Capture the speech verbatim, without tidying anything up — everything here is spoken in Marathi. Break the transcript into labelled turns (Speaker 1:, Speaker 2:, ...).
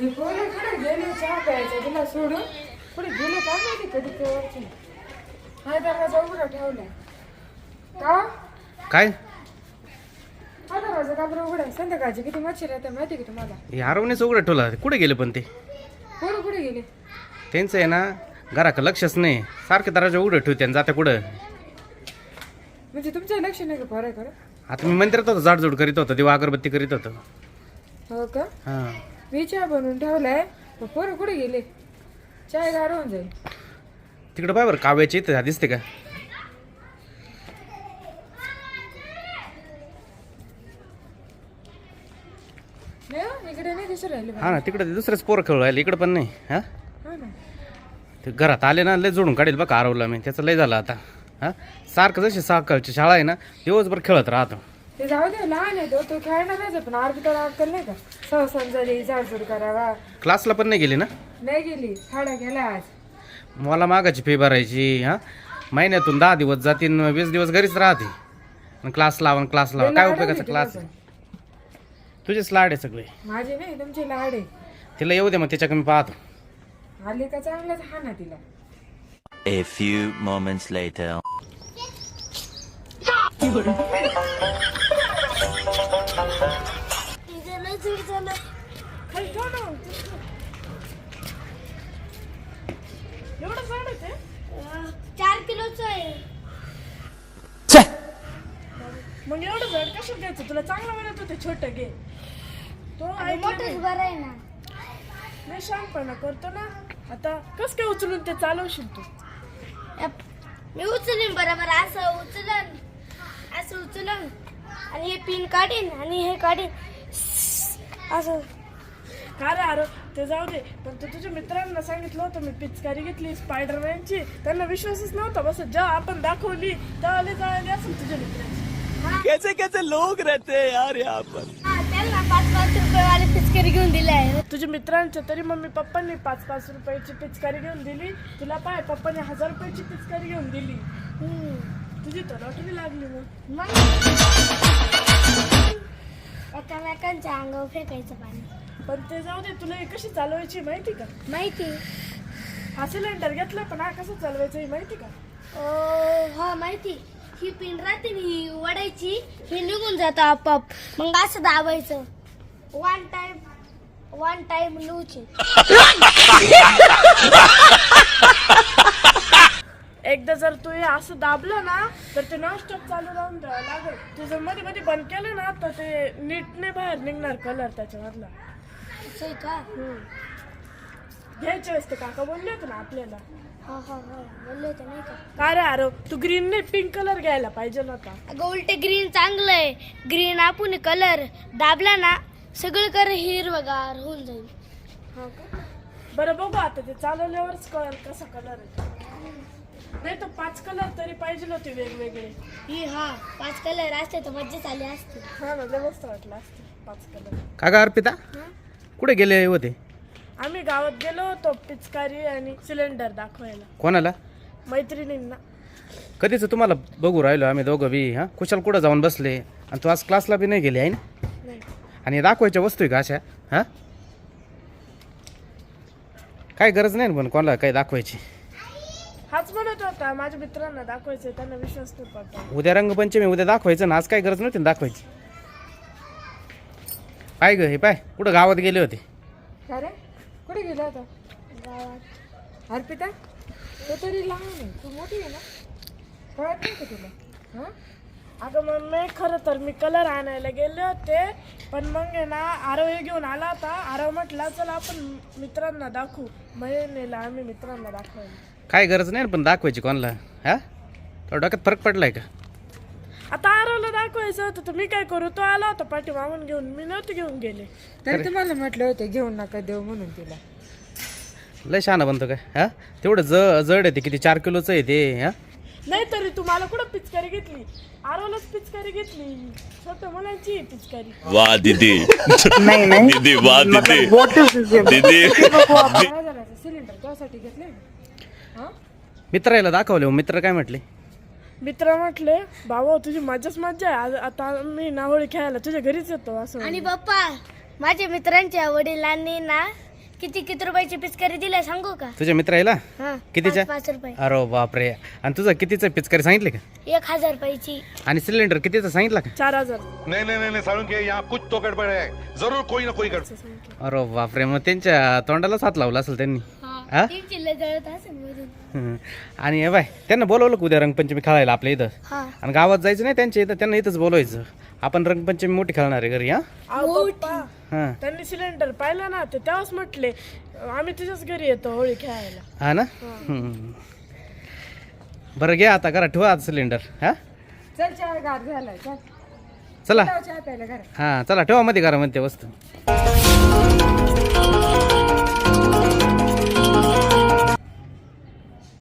Speaker 1: हे पोरं कुठे गेले चहा प्यायचा तिला सोडून कुठे गेले का माहिती कधी केव्हाची हा दरवाजा उघडा ठेवलाय का
Speaker 2: काय
Speaker 1: हा दरवाजा का बरं उघडा संध्याकाळची किती मच्छर येतात माहिती का तुम्हाला
Speaker 2: हे हरवण्याचं उघडं ठेवला कुठे गेले पण ते
Speaker 1: पोरं कुठे गेले
Speaker 2: त्यांचं आहे ना घराकडं लक्षच नाही सारखे दरवाजा उघडं ठेवते आणि जाते कुठं
Speaker 1: म्हणजे तुमचं लक्ष नाही का पोराकडे
Speaker 2: आता मी मंदिरात होतो जाडजूड करीत होतो दिवा अगरबत्ती करीत होतो
Speaker 1: हो का
Speaker 2: हां
Speaker 1: मी चहा बनवून ठेवलाय पण पोरं कुठे गेले चाय गार होऊन जाईल
Speaker 2: तिकडं पाय बरं काव्याची इथं दिसते का
Speaker 1: नाही हो, इकडे नाही दिसू राहिले
Speaker 2: हा ना तिकडं ते दुसरेच पोरं खेळू राहिले इकडं पण नाही हा
Speaker 1: हा ना
Speaker 2: ते घरात आले ना लय जोडून काढेल बघा हरवला मी त्याचं लय झालं आता हा सारखं जशी सकाळची शाळा आहे ना दिवसभर खेळत राहतो
Speaker 1: ते जाऊ दे लहान आहे तो तो खेळणारच आहे पण आरबीता अक्कल नाही का सहसन झाली झाडझूड करावा
Speaker 2: क्लासला पण नाही गेली ना
Speaker 1: नाही गेली खाडा गेला आज
Speaker 2: मला मागाची फी भरायची हा महिन्यातून दहा दिवस जातीन वीस दिवस घरीच राहते आणि क्लास लावा क्लास लावा काय उपयोगाचा क्लास तुझेच लाड आहे सगळे
Speaker 1: माझे नाही तुमचे लाड आहे
Speaker 2: तिला येऊ दे मग त्याच्या कमी पाहतो
Speaker 1: आली का चांगलाच हा ना तिला
Speaker 3: A few moments later.
Speaker 4: चार किलोचं आहे
Speaker 1: मग एवढं जड कसं घ्यायचं तुला चांगलं म्हणत होते छोट घे तो
Speaker 4: मोठंच बरं आहे ना
Speaker 1: नाही शांतपणा करतो ना आता कस काय उचलून ते चालवशील तू
Speaker 4: मी उचलीन बरोबर असं उचलन असं उचलन आणि हे पिन काढीन आणि हे काढीन असं
Speaker 1: का रे अरे ते जाऊ दे पण तू तुझ्या मित्रांना सांगितलं होतं मी पिचकारी घेतली स्पायडरमॅनची त्यांना विश्वासच नव्हता बस जेव्हा आपण दाखवली तेव्हा जळाली असेल तुझ्या मित्रांची
Speaker 3: कैसे कैसे लोग रहते हैं यार यहाँ पर.
Speaker 4: हा त्यांना पाच पाच रुपये वाली पिचकारी घेऊन दिली आहे
Speaker 1: तुझ्या मित्रांच्या तरी मम्मी पप्पांनी पाच पाच रुपयाची पिचकारी घेऊन दिली तुला पाय पप्पाने हजार रुपयाची पिचकारी घेऊन दिली तुझी तर लॉटरी लागली मग
Speaker 4: मग एकामेकांच्या अंगावर फेकायचं पाणी
Speaker 1: पण ते जाऊ दे तुला हे कशी चालवायची माहिती का
Speaker 4: माहिती
Speaker 1: हा सिलेंडर घेतला पण हा कसं चालवायचं हे माहिती का
Speaker 4: अं, हा माहिती ही पिन राहते ना, ही वडायची ही निघून जातं आपाप मग असं दाबायचं वन टाइम वन टाइम लूचे
Speaker 1: एकदा जर तू हे असं दाबलं ना तर ते नॉनस्टॉप चालू राहून द्यावं लागेल तू जर मध्ये मध्ये बंद केलं ना तर ते नीटने बाहेर निघणार कलर त्याच्यामधला
Speaker 4: असं आहे का
Speaker 1: घ्यायच्या वेळेस ते काका बोलले होते ना आपल्याला
Speaker 4: हा हा हा बोलले होते नाही का
Speaker 1: काय रे अरे तू ग्रीन नाही पिंक कलर घ्यायला पाहिजे नव्हता
Speaker 4: अगं उलटे ग्रीन चांगलं आहे ग्रीन आपण कलर दाबला ना सगळीकडे हिरवगार होऊन जाईल
Speaker 1: हा का बरं बघू आता ते चालवल्यावरच कळेल कसा कलर आहे नाही तर पाच कलर तरी पाहिजे होते वेगवेगळे
Speaker 4: ही हा पाच कलर असते तर मज्जा आली असते
Speaker 1: हा ना लय मस्त वाटलं असते पाच कलर
Speaker 2: का गा अर्पिता कुठे गेले होते
Speaker 1: आम्ही गावात गेलो होतो पिचकारी आणि सिलेंडर दाखवायला
Speaker 2: कोणाला
Speaker 1: मैत्रिणींना
Speaker 2: कधीच तुम्हाला बघू राहिलो आम्ही दोघं बी हां कुशाल कुठं जाऊन बसले आणि तू आज क्लासला बी नाही गेली आहे ना
Speaker 1: नाही
Speaker 2: आणि दाखवायच्या वस्तू आहे का अशा हां काय गरज नाही ना पण कोणाला काही दाखवायची
Speaker 1: हाच म्हणत होता माझ्या मित्रांना दाखवायचं त्यांना विश्वास नाही पडता
Speaker 2: उद्या रंगपंचमी उद्या दाखवायचं ना आज काय गरज नव्हती ना दाखवायची पाय ग हे पाय कुठं गावात गेले होते
Speaker 1: का रे कुठे गेला होता
Speaker 4: गावात
Speaker 1: अर्पिता तो तरी लहान आहे तू मोठी आहे ना कळत नाही का तुला हां अगं मग मी खरं तर मी कलर आणायला गेले होते पण मग आहे ना आरव हे घेऊन आला होता आरव म्हटला चला आपण मित्रांना दाखवू महिनेला आम्ही मित्रांना दाखवायला
Speaker 2: काय गरज नाही ना पण दाखवायची कोणाला हा तो डोक्यात फरक पडलाय का
Speaker 1: आता आरवला दाखवायचं होतं तर मी काय करू तो आला होता पाठी मागून घेऊन मी नव्हते घेऊन गेले तरी तुम्हाला म्हटलं होतं घेऊन नका देऊ म्हणून तिला
Speaker 2: लय शहाणा बनतो काय हा तेवढं ज जड आहे ते किती चार किलोचं आहे ते हा
Speaker 1: नाही तरी तुम्हाला कुठं पिचकारी घेतली आरवलाच पिचकारी घेतली छोट्या मुलांची पिचकारी
Speaker 3: वाह दीदी दीदी वाह दीदी दीदी
Speaker 1: काय झालं सिलेंडर त्यासाठी घेतले हा
Speaker 2: मित्राला दाखवले मित्र काय म्हटले
Speaker 1: मित्र म्हटले बाबा तुझी मजाच मजा आहे आज आता मी नाहोळी खेळायला तुझ्या घरीच येतो असं
Speaker 4: आणि पप्पा माझ्या मित्रांच्या वडिलांनी ना किती किती रुपयाची पिचकारी दिलाय सांगू का?
Speaker 2: तुझ्या मित्राला
Speaker 4: हा
Speaker 2: कितीच्या?
Speaker 4: पाच पाच रुपये.
Speaker 2: अरे बापरे. आणि तुझं कितीचं पिचकारी सांगितले का?
Speaker 4: एक हजार रुपयाची.
Speaker 2: आणि सिलेंडर कितीचं सांगितलं का?
Speaker 1: चार हजार
Speaker 5: नहीं नहीं नहीं सारुण के यहाँ कुछ तो गड़बड़ है, जरूर कोई ना कोई गड़बड़।
Speaker 2: अरे बापरे. मग त्यांच्या तोंडालाच हात लावला असेल त्यांनी. हा?
Speaker 4: तीन चिल्ले जळत असेल मधून.
Speaker 2: हं. आणि हे बाय त्यांना बोलवलं का उद्या रंगपंचमी खेळायला आपल्या इथं?
Speaker 4: हा
Speaker 2: आणि गावात जायचं नाही त्यांच्या इथं, त्यांना इथंच बोलवायचं. आपण रंगपंचमी मोठी खेळणार आहे घरी. हा
Speaker 1: अहो पप्पा
Speaker 2: हां
Speaker 1: त्यांनी सिलेंडर पाहिलं ना ते तेव्हाच म्हटले आम्ही तुझ्याच घरी येतो होळी खेळायला.
Speaker 2: हा ना. हं. बरं घ्या आता घरात ठेवा आता सिलेंडर. हा
Speaker 1: चल चहा गार झालाय चल
Speaker 2: चला.
Speaker 1: चहा प्यायला घरात.
Speaker 2: हां चला ठेवा मध्ये घरामध्ये त्या वस्तू.